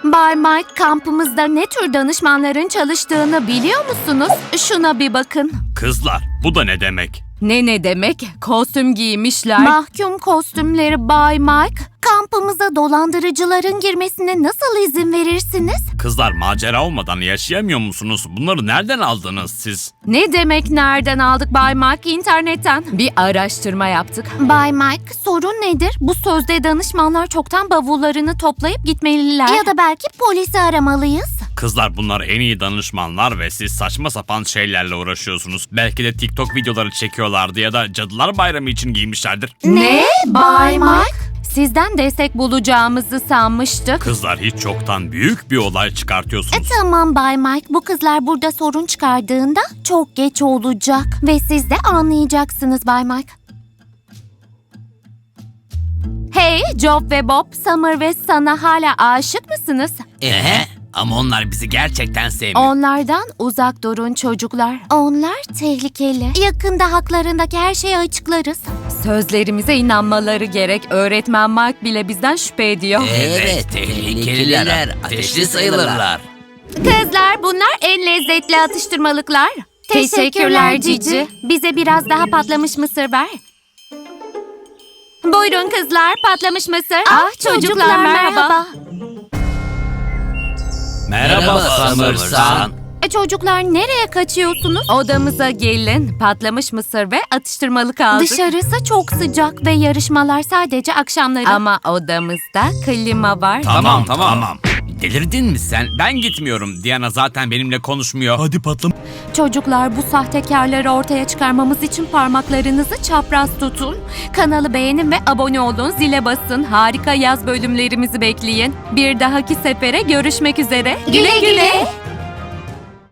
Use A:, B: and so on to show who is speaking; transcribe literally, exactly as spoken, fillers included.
A: Bay Mike, kampımızda ne tür danışmanların çalıştığını biliyor musunuz? Şuna bir bakın.
B: Kızlar, bu da ne demek?
C: Ne ne demek? Kostüm giymişler.
A: Mahkum kostümleri Bay Mike. Kampımıza dolandırıcıların girmesine nasıl izin verirsiniz?
B: Kızlar, macera olmadan yaşayamıyor musunuz? Bunları nereden aldınız siz?
C: Ne demek nereden aldık Bay Mike? İnternetten. Bir araştırma yaptık.
A: Bay Mike, sorun nedir? Bu sözde danışmanlar çoktan bavullarını toplayıp gitmeliler. Ya da belki polisi aramalıyız.
B: Kızlar, bunlar en iyi danışmanlar ve siz saçma sapan şeylerle uğraşıyorsunuz. Belki de TikTok videoları çekiyorlardı ya da Cadılar Bayramı için giymişlerdir.
A: Ne? Bay Mike?
C: Sizden destek bulacağımızı sanmıştık.
B: Kızlar, hiç çoktan büyük bir olay çıkartıyorsunuz.
A: E, tamam Bay Mike, bu kızlar burada sorun çıkardığında çok geç olacak. Ve siz de anlayacaksınız Bay Mike.
C: Hey, Job ve Bob, Summer ve sana hala aşık mısınız?
D: Ee, ama onlar bizi gerçekten sevmiyor.
C: Onlardan uzak durun çocuklar.
A: Onlar tehlikeli. Yakında haklarındaki her şeyi açıklarız.
C: Sözlerimize inanmaları gerek. Öğretmen Mark bile bizden şüphe ediyor.
D: Evet, tehlikeliler, ateşli sayılırlar.
A: Kızlar, bunlar en lezzetli atıştırmalıklar.
C: Teşekkürler Cici.
A: Bize biraz daha patlamış mısır ver. Buyurun kızlar, patlamış mısır.
C: Ah, çocuklar, merhaba.
B: Merhaba Summersan.
A: E, çocuklar, nereye kaçıyorsunuz?
C: Odamıza gelin. Patlamış mısır ve atıştırmalık aldık.
A: Dışarısı çok sıcak ve yarışmalar sadece akşamları.
C: Ama odamızda klima var.
B: Tamam, tamam. Delirdin mi sen? Ben gitmiyorum. Diana zaten benimle konuşmuyor. Hadi patlam.
A: Çocuklar, bu sahtekarları ortaya çıkarmamız için parmaklarınızı çapraz tutun.
C: Kanalı beğenin ve abone olun. Zile basın. Harika yaz bölümlerimizi bekleyin. Bir dahaki sefere görüşmek üzere.
A: Güle güle.